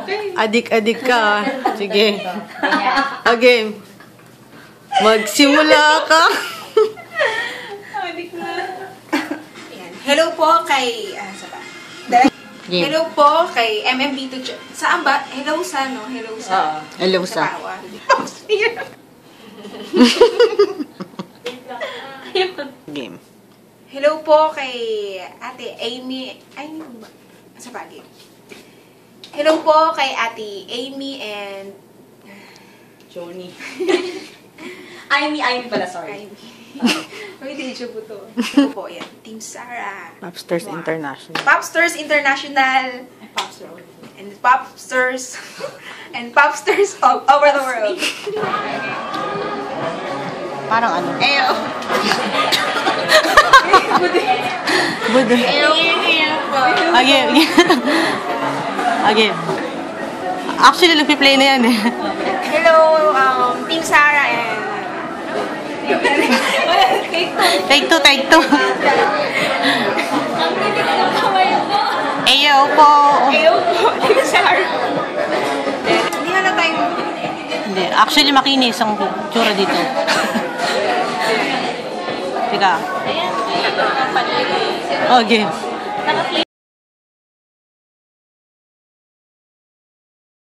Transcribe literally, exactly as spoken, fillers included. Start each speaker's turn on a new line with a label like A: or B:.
A: Adik-adik ka. Sige. Okay. Magsimula ka.
B: Adik na. Hello po kay... Ah, sa ba? Hello po kay M M B to... Saan ba? Hello sa, no? Hello sa...
A: Hello sa. Game.
B: Hello po kay Ate Amy. Ay, hindi ba? Sa bagay. Hello po kay Ate Amy and...
C: Johnny. Amy, Amy pala, sorry.
B: Amy. May deja vu to. Hello po, yan. Team Sarah.
A: Popstars wow. International.
B: Popstars International.
C: And Popstars.
B: And Popstars. and Popstars all over the world.
A: Parang ano?
B: Eyo.
A: Budo.
B: Eyo.
A: Okay. Okay. Actually, nagpi-play na yan eh.
B: Hello, um, Team Sarah and...
A: Take two, take two. Eyo po.
B: Eyo po, Team Sarah. Hindi na na tayo...
A: Hindi. Actually, makinis ang tsura dito. Teka. Okay.